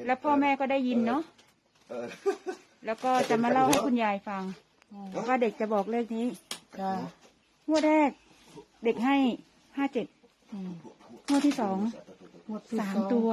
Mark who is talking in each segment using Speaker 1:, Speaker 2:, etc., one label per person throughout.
Speaker 1: แล้วพ่อแม่ก็ได้ยินเนาะแล้วก็จะมาเล่าให้คุณยายฟังว่าเด็กจะบอกเลขนี้งวดแรกเด็กให้57งวดที่2 3 ตัว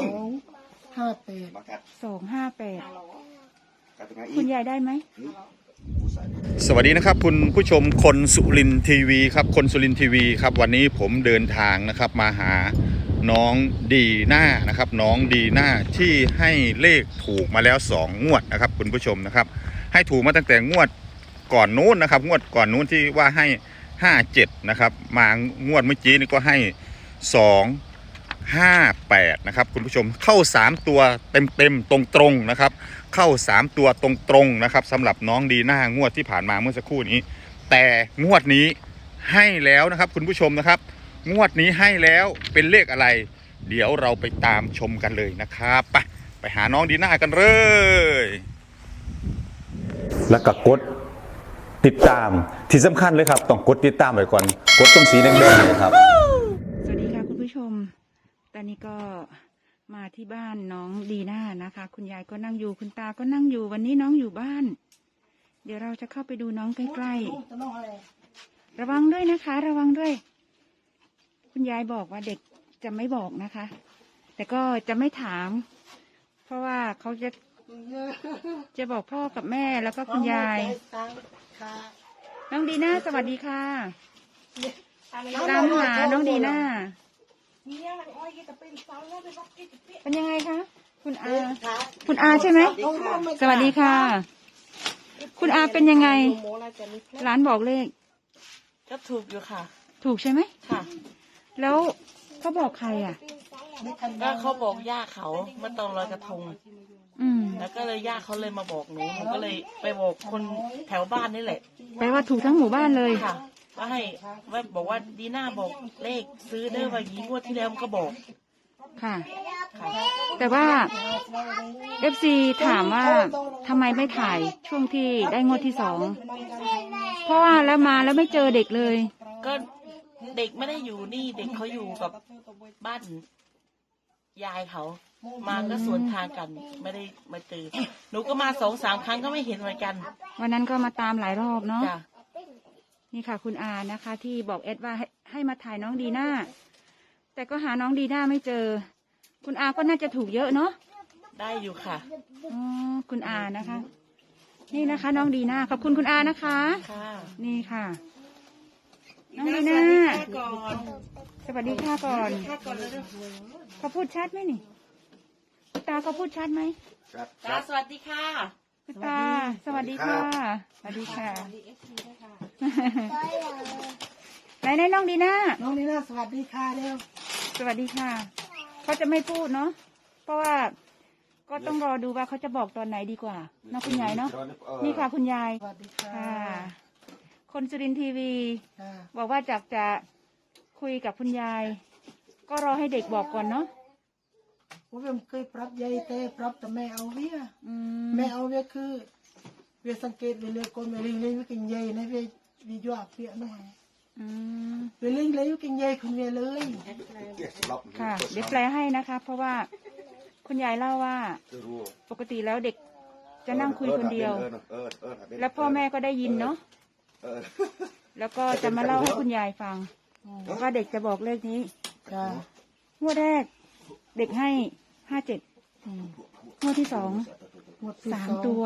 Speaker 1: 258คุณยายได้ไหม
Speaker 2: สวัสดีนะครับคุณผู้ชมคนสุรินทร์ทีวีครับคนสุรินทร์ทีวีครับวันนี้ผมเดินทางนะครับมาหาน้องดีน่านะครับน้องดีน่าที่ให้เลขถูกมาแล้ว2งวดนะครับคุณผู้ชมนะครับให้ถูกมาตั้งแต่งวดก่อนนู้นนะครับงวดก่อนนู้นที่ว่าให้57นะครับมางวดเมื่อกี้นี่ก็ให้258นะครับคุณผู้ชมเข้า3ตัวเต็มตรงๆนะครับเข้า3ตัวตรงๆนะครับสำหรับน้องดีน่างวดที่ผ่านมาเมื่อสักครู่นี้แต่งวดนี้ให้แล้วนะครับคุณผู้ชมนะครับงวดนี้ให้แล้วเป็นเลขอะไรเดี๋ยวเราไปตามชมกันเลยนะครับไปหาน้องดีน่ากันเลยแล้วก็กดติดตามที่สำคัญเลยครับต้องกดติดตามไว้ก่อนกดตรงสีแดงๆเลยครับ
Speaker 1: สวัสดีค่ะคุณผู้ชมตอนนี้ก็มาที่บ้านน้องดีน่านะคะคุณยายก็นั่งอยู่คุณตาก็นั่งอยู่วันนี้น้องอยู่บ้านเดี๋ยวเราจะเข้าไปดูน้องใกล้ๆระวังด้วยนะคะระวังด้วยคุณยายบอกว่าเด็กจะไม่บอกนะคะแต่ก็จะไม่ถามเพราะว่าเขาจะบอกพ่อกับแม่แล้วก็คุณยายน้องดีน่าสวัสดีค่ะตามหาน้องดีน่าเป็นยังไงคะคุณอาใช่ไหมสวัสดีค่ะคุณอาเป็นยังไงร้านบอกเลข
Speaker 3: ก็ถูกอยู่ค่ะ
Speaker 1: ถูกใช่ไหม
Speaker 3: ค่ะ
Speaker 1: แล้วเขาบอกใครอ่ะ
Speaker 3: ก็เขาบอกย่าเขาเมื่อตอนลอยกระทงแล้วก็เลยย่าเขาเลยมาบอกหนูก็เลยไปบอกคนแถวบ้านนี่แหละ
Speaker 1: แปลว่าถูกทั้งหมู่บ้านเลย
Speaker 3: ค่ะว่าบอกว่าดีน่าบอกเลขซื้อได้ว่ายีงวดที่แล้วมันก็บอก
Speaker 1: ค่ะแต่ว่า FC ถามว่าทำไมไม่ถ่ายช่วงที่ได้งวดที่2เพราะว่าแล้วมาแล้วไม่เจอเด็กเลย
Speaker 3: ก็เด็กไม่ได้อยู่นี่เด็กเขาอยู่กับบ้านยายเขามาก็สวนทางกันไม่ได้มาเจอหนูก็มา2-3 ครั้งก็ไม่เห็นเหมือนกัน
Speaker 1: วันนั้นก็มาตามหลายรอบเนาะนี่ค่ะคุณอานะคะที่บอกเอ็ดว่าให้มาถ่ายน้องดีน่าแต่ก็หาน้องดีน่าไม่เจอคุณอาก็น่าจะถูกเยอะเนาะ
Speaker 3: ได้อยู่ค่ะ
Speaker 1: อ๋อคุณอานะคะนี่นะคะน้องดีน่าขอบคุณคุณอานะคะ
Speaker 3: ค่ะ
Speaker 1: นี่ค่ะน้องดีน่าสวัสดีค่ะก่อนเขาพูดชัดไหมนี่คุณตาเขาพูดชัดไหม
Speaker 3: ตาสวัสดีค่ะ
Speaker 1: คุณตาสวัสดีค่ะสวัสดีค่ะไหนน้องดีน่า
Speaker 4: สวัสดีค่ะเร็ว
Speaker 1: สวัสดีค่ะเขาจะไม่พูดเนาะเพราะว่าก็ต้องรอดูว่าเขาจะบอกตอนไหนดีกว่าน้องคุณยายเนาะนี่ค่ะคุณยาย
Speaker 4: สวัสดีค่ะ
Speaker 1: คนสุรินทร์ทีวีบอกว่าจะคุยกับคุณยายก็รอให้เด็กบอกก่อนเนาะ
Speaker 4: ว่าผมเคยปรับยายแต่ปรับแต่แม่เอาเวียแม่เอาเวียคือเวียสังเกตเวียเลยคนเวียลิงเลยกินยายนะเวียยั่วเปียหน่อยเวียลิงเลยกินยายคุณเวียเลย
Speaker 1: ค่ะเดี๋ยวแปลให้นะคะเพราะว่าคุณยายเล่าว่าปกติแล้วเด็กจะนั่งคุยคนเดียวแล้วพ่อแม่ก็ได้ยินเนาะแล้วก็จะมาเล่าให้คุณยายฟังว่าเด็กจะบอกเลขนี้งวดแรกเด็กให้57งวดที่2 3 ตัว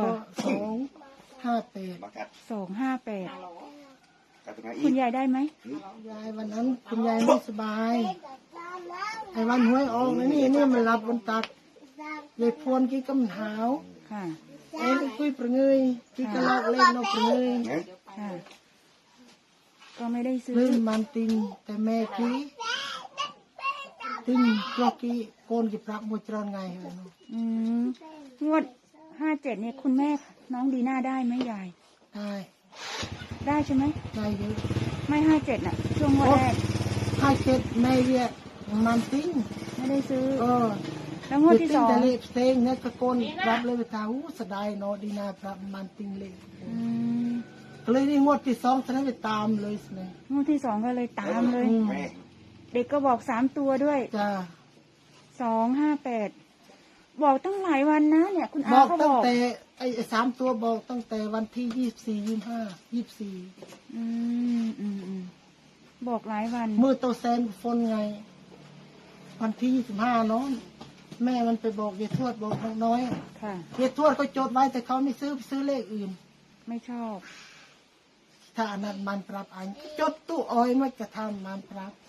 Speaker 1: 258คุณยายได้ไหม
Speaker 4: ยายวันนั้นคุณยายไม่สบายไอ้วันหวยออกนี่มันรับบนตักเลยพวนกี่กำหาว
Speaker 1: ค่ะ
Speaker 4: ไอ้คุยประเงยกี่กระลอกเล่นนกประเงย
Speaker 1: ค่ะก็ไม่ได้ซื้อ
Speaker 4: เล่นมันติงแต่แม่กี้ติงกลอกกี้โกนกี่ปรักมวยจรอนไงเหร
Speaker 1: องวด57เนี่ยคุณแม่น้องดีน่าได้ไหมยายได้ใช่ไหม
Speaker 4: ได้เยอะ
Speaker 1: ไม่57น่ะช่วงงวดแรก
Speaker 4: 57แม่เนี่ยมันติง
Speaker 1: ไม่ได้ซื้อแล้วงวดที่2
Speaker 4: แต่เล็กเต็งเนี่ยตะโกนปรับเลยไปทางสดายนอดีน่าปรับมันติงเลยก็เลยนี่งวดที่2ฉะนั้นไปตามเลยสิ
Speaker 1: งวดที่2ก็เลยตามเลยเด็กก็บอก3ตัวด้วย
Speaker 4: จ้า
Speaker 1: 258 บอกตั้งหลายวันนะเนี่ย คุณ
Speaker 4: บ
Speaker 1: อา
Speaker 4: อก
Speaker 1: เขาบ
Speaker 4: ตั้ง
Speaker 1: อก
Speaker 4: แต่ไอ้3 ตัวบอกตั้งแต่วันที่24
Speaker 1: อืมบอกหลายวัน
Speaker 4: 25มือโตแซนฝนไง วันที่25เนาะแม่มันไปบอกยายทวดบอกน้องน้อย
Speaker 1: ค่ะ
Speaker 4: ยายทวดก็จดไว้แต่เขาไม่ซื้อเลขอื่น
Speaker 1: ไม่ชอบ
Speaker 4: ถ้าอันนั้นมันปรับอันจดตู้อ้อยมันจะทำมันปรับ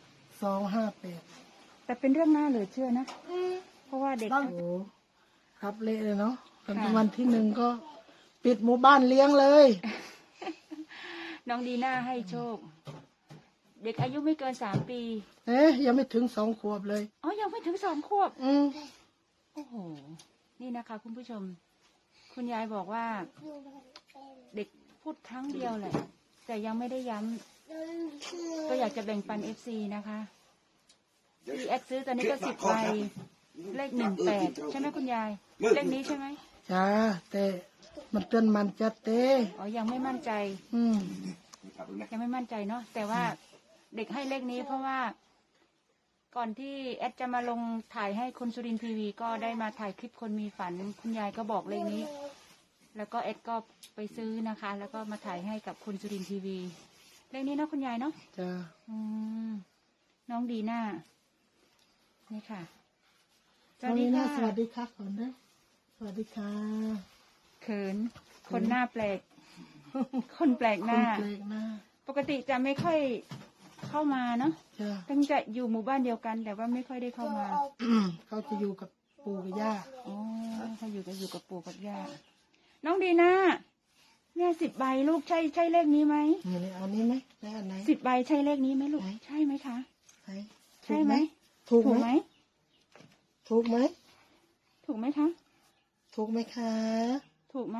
Speaker 4: 258
Speaker 1: แต่เป็นเรื่องน่าเหลือเชื่อนะ เพราะว่าเด็ก
Speaker 4: โอ้โหครับเละเลยเนาะวันที่1ก็ปิดหมู่บ้านเลี้ยงเลย
Speaker 1: น้องดีน่าให้โชค เด็กอายุไม่เกิน3 ปี
Speaker 4: ยังไม่ถึง2 ขวบเลย
Speaker 1: อ๋อ ยังไม่ถึง2 ขวบ โอ้โห นี่นะคะ คุณผู้ชม คุณยายบอกว่า เด็กพูดครั้งเดียวแหละ แต่ยังไม่ได้ย้ำก็อยากจะแบ่งปัน FC นะคะที่แอดซื้อตอนนี้ก็10 ใบ เลข18 ใช่ไหมคุณยาย เลขนี้ใช่ไหม
Speaker 4: จ้าแต่มันเตือนมันจัดเต้
Speaker 1: อ๋อ ยังไม่มั่นใจ ยังไม่มั่นใจเนาะ แต่ว่าเด็กให้เลขนี้เพราะว่า ก่อนที่แอดจะมาลงถ่ายให้คนสุรินทร์ทีวีก็ได้มาถ่ายคลิปคนมีฝัน คุณยายก็บอกเลขนี้ แล้วก็แอดก็ไปซื้อนะคะ แล้วก็มาถ่ายให้กับคนสุรินทร์ทีวี เลขนี้เนาะคุณยายเนาะ
Speaker 4: จ้า
Speaker 1: น้องดีน่า นี่ค่ะ
Speaker 4: สวัสดีค่ะสวัสดีค่ะก่อนนะสวัสดีค่ะ
Speaker 1: เขิน คนหน้าแปลก คนแปลกหน้า
Speaker 4: คนแปลกหน้า
Speaker 1: ปกติจะไม่ค่อยเข้ามาเนาะ
Speaker 4: จ้า
Speaker 1: ตั้งจะอยู่หมู่บ้านเดียวกัน แต่ว่าไม่ค่อยได้เข้ามา
Speaker 4: เขาจะอยู่กับปู่กับย่า
Speaker 1: อ๋อเขาอยู่กับปู่กับย่า น้องดีน่าแม่10 ใบลูกใช่เลขนี้ไหม
Speaker 4: นี่เอานี้ไหมได้อันไหน
Speaker 1: 10 ใบใช่เลขนี้ไหมลูก
Speaker 4: ไหน
Speaker 1: ใช่ไหมคะ
Speaker 4: ไหน
Speaker 1: ใช่ไหม
Speaker 4: ถูก
Speaker 1: ถูก
Speaker 4: ไห
Speaker 1: ไห
Speaker 4: ม
Speaker 1: ม
Speaker 4: ถูกไหม
Speaker 1: ถูกไหมคะ
Speaker 4: ถูกไหมคะ
Speaker 1: ถูกไหม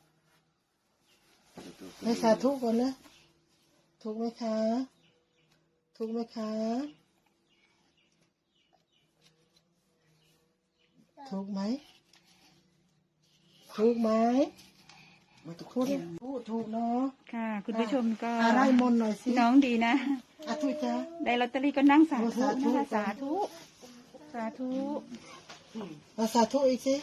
Speaker 4: ให้สาธุก่อนนะถูกไหมคะถูกไหมคะถูกไหมถูกไหมถูกเนาะ
Speaker 1: ค่ะ คุณผู้ชมก็
Speaker 4: อะไรมนต์หน่อยสิ
Speaker 1: น้องดีนะ
Speaker 4: ถูกจ้า
Speaker 1: ได้ลอตเตอรี่ก็นั่งสาธุ
Speaker 4: สาธุ
Speaker 1: นะคะสาธุ สาธุ
Speaker 4: สาธุอีกสิ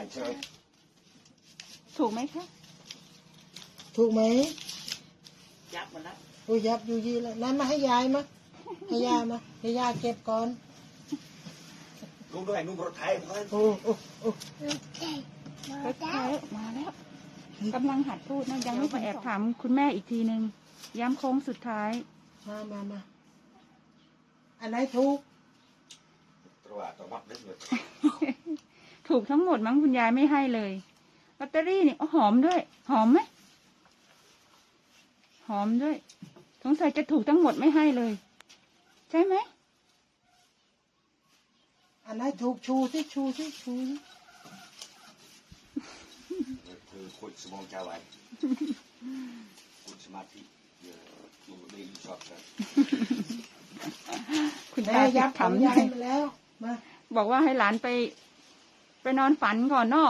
Speaker 1: ถูกไหมคะ
Speaker 4: ถูกไหม
Speaker 3: ยับหมดแล้ว
Speaker 4: โอ้ยับอยู่ยี่แล้วนั่นมาให้ยายมาให้ยายมาให้ยายเก็บก่อน
Speaker 5: ลุงด้วยลุงรถไทยเพื่อน
Speaker 4: โอ้โอ้โอ้
Speaker 1: มาแล้วกำลังหัดพูดนะยังไม่ไปแอบถามคุณแม่อีกทีนึง ย้ำโค้งสุดท้าย
Speaker 4: มาอันไหนถูก
Speaker 5: ตัวตัวมัดนิดหนึ่ง
Speaker 1: ถูกทั้งหมดมั้งคุณยายไม่ให้เลยลอตเตอรี่นี่หอมด้วย หอมไหมหอมด้วยสงสัยจะถูกทั้งหมดไม่ให้เลย ใช่ไหม
Speaker 4: อันไหนถูกชูสิชูสิ
Speaker 5: คือคุยสมองเจ้าไว้คุยสมาธิลุงได้ยินชอบกัน
Speaker 1: คุณ
Speaker 4: แม่
Speaker 1: ตา
Speaker 4: ยับ
Speaker 1: ถาม
Speaker 4: ยายมาแล้วมา
Speaker 1: บอกว่าให้หลานไปนอนฝันก่อนเนาะ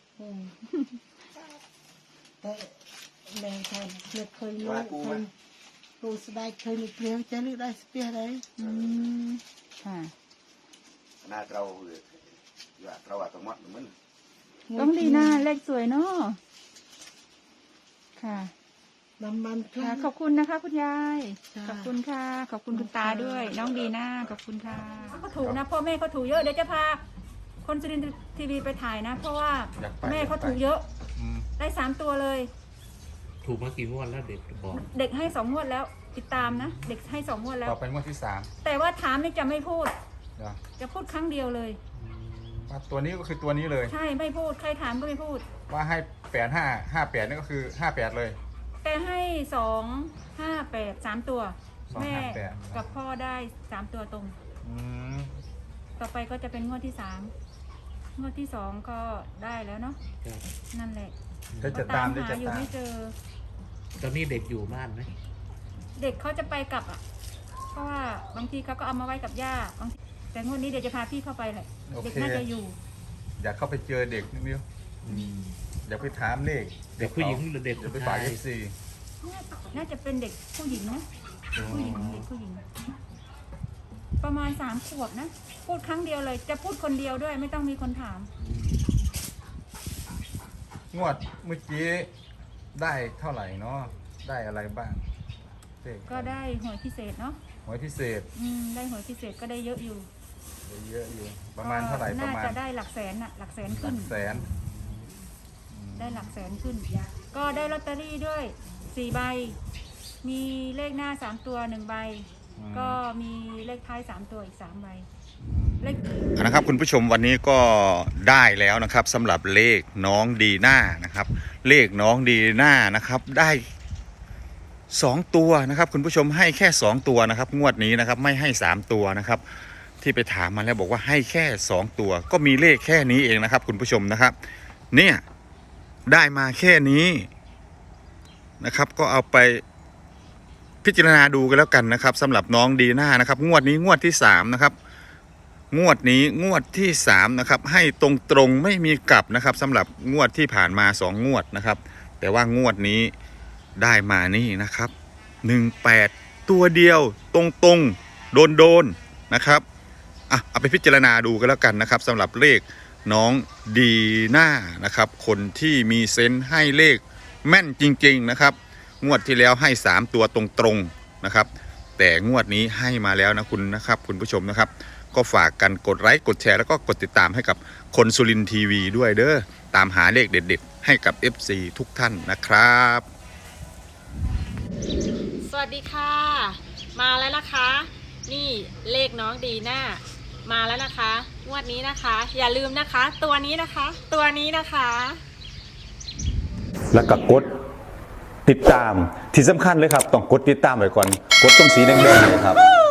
Speaker 4: แต่แม่ทำเคยรู้เคยรู้สบายเคยมีเปลี่ยวจะเลือกได้สเปียอะไร
Speaker 1: ค่ะ
Speaker 5: หน้าเราอยากเราตัวมัดมัน
Speaker 1: ต้องดีหน้าเลขสวยเนาะค่ะ
Speaker 4: น้ำมันพ
Speaker 1: ค่ะ
Speaker 4: ลา
Speaker 1: ขอบคุณนะคะ คุณยาย
Speaker 4: จ้า
Speaker 1: ขอบคุณค่ะ ขอบคุณคุณตาด้วย น้องดีน่าขอบคุณค่ะเขาถูกนะพ่อแม่เขาถูกเยอะเดี๋ยวจะพาคนสุรินทร์ทีวีไปถ่ายนะ เพราะว่าแม่เขาถูกเยอะ ได้3 ตัวเลย
Speaker 6: ถูกมากี่งวดแล้วเด็กบอก
Speaker 1: เด็กให้2 งวดแล้ว ติดตามนะ เด็กให้2 งวดแล้ว
Speaker 2: ต่อเป็นงวดที่3
Speaker 1: แต่ว่าถามนี่จะไม่พูด
Speaker 2: เดี๋ยว
Speaker 1: จะพูดครั้งเดียวเลย
Speaker 2: ว่าตัวนี้ก็คือตัวนี้เลย
Speaker 1: ใช่ไม่พูดใครถามก็ไม่พูด
Speaker 2: ว่าให้85นี่ก็คือ58เลย
Speaker 1: แต่ให้258 3 ตัว
Speaker 2: 258
Speaker 1: แม่กับพ่อได้3 ตัวตรง
Speaker 2: อืม
Speaker 1: ต่อไปก็จะเป็นงวดที่3 งวดที่2ก็ได้แล้วเนาะ
Speaker 6: ครับ
Speaker 1: นั่นแหละ
Speaker 2: ได้จะตามได้
Speaker 1: หา
Speaker 2: จะ
Speaker 1: อยู่
Speaker 2: ตาม
Speaker 1: ไม่เจอ
Speaker 6: ตอนนี้เด็กอยู่บ้านไหม
Speaker 1: เด็กเขาจะไปกลับอ่ะ เพราะว่าบางทีเขาก็เอามาไว้กับย่าบางทีแต่งวดนี้เดี๋ยวจะพาพี่เข้าไปแหละ
Speaker 2: โอ
Speaker 1: เด็ก
Speaker 2: เค
Speaker 1: น่าจะอยู่
Speaker 2: อยากเข้าไปเจอเด็กนิดเดียวอยากไปถามเลข
Speaker 6: เด็กผู้หญิงหรือเด็ก
Speaker 2: อยากไป
Speaker 6: ผู้
Speaker 2: ฝา
Speaker 6: ชาก ย
Speaker 2: FC
Speaker 1: น่าจะเป็นเด็กผู้หญิงนะผู้หญิงเด็กผู้หญิง ประมาณ3 ขวบนะ พูดครั้งเดียวเลย จะพูดคนเดียวด้วยไม่ต้องมีคนถาม
Speaker 6: อืม
Speaker 2: งวดเมื่อกี้ได้เท่าไหร่เนาะได้อะไรบ้างเลข
Speaker 1: ก็ได้หวยพิเศษเนาะ
Speaker 2: หวยพิเศษ
Speaker 1: ได้หวยพิเศษก็ได้เยอะอยู่
Speaker 2: ได้เยอะอยู่ประมาณเท่าไหร่ประ
Speaker 1: น่า
Speaker 2: มาณ
Speaker 1: จะได้หลักแสนน่ะหลักแสน
Speaker 2: ห
Speaker 1: ขึ้
Speaker 2: ลั
Speaker 1: น
Speaker 2: กแสน
Speaker 1: ได้หลักแสนขึ้น ก็ได้ลอตเตอรี่ด้วย4 ใบ มีเลขหน้า3 ตัว1 ใบ ก็มีเลขท้าย3 ตัวอีก3 ใบเลข
Speaker 2: นะครับคุณผู้ชมวันนี้ก็ได้แล้วนะครับสำหรับเลขน้องดีน่านะครับเลขน้องดีน่านะครับได้2 ตัวนะครับคุณผู้ชมให้แค่2 ตัวนะครับงวดนี้นะครับไม่ให้3 ตัวนะครับที่ไปถามมาแล้วบอกว่าให้แค่2 ตัวก็มีเลขแค่นี้เองนะครับคุณผู้ชมนะครับเนี่ยได้มาแค่นี้นะครับก็เอาไปพิจารณาดูกันแล้วกันนะครับสำหรับน้องดีน่านะครับงวดนี้งวดที่3นะครับงวดนี้งวดที่3นะครับให้ตรงๆไม่มีกลับนะครับสำหรับงวดที่ผ่านมา2 งวดนะครับแต่ว่างวดนี้ได้มานี่นะครับ18ตัวเดียวตรงๆโดนๆนะครับเอาไปพิจารณาดูกันแล้วกันนะครับสำหรับเลขน้องดีน่านะครับคนที่มีเซนส์ให้เลขแม่นจริงๆนะครับงวดที่แล้วให้3 ตัวตรงๆนะครับแต่งวดนี้ให้มาแล้วนะคุณนะครับคุณผู้ชมนะครับก็ฝากกันกดไลค์กดแชร์แล้วก็กดติดตามให้กับคนสุรินทร์ทีวีด้วยเด้อตามหาเลขเด็ดๆให้กับ FC ทุกท่านนะครับ
Speaker 7: สวัสดีค่ะ มาแล้วนะคะ นี่เลขน้องดีน่ามาแล้วนะคะงวดนี้นะคะ อย่าลืมนะคะ ตัวนี้นะคะ ตัวนี้นะคะ
Speaker 8: แล้วก็กดติดตามที่สำคัญเลยครับต้องกดติดตามไว้ก่อนกดตรงสีแดงๆเลยครับ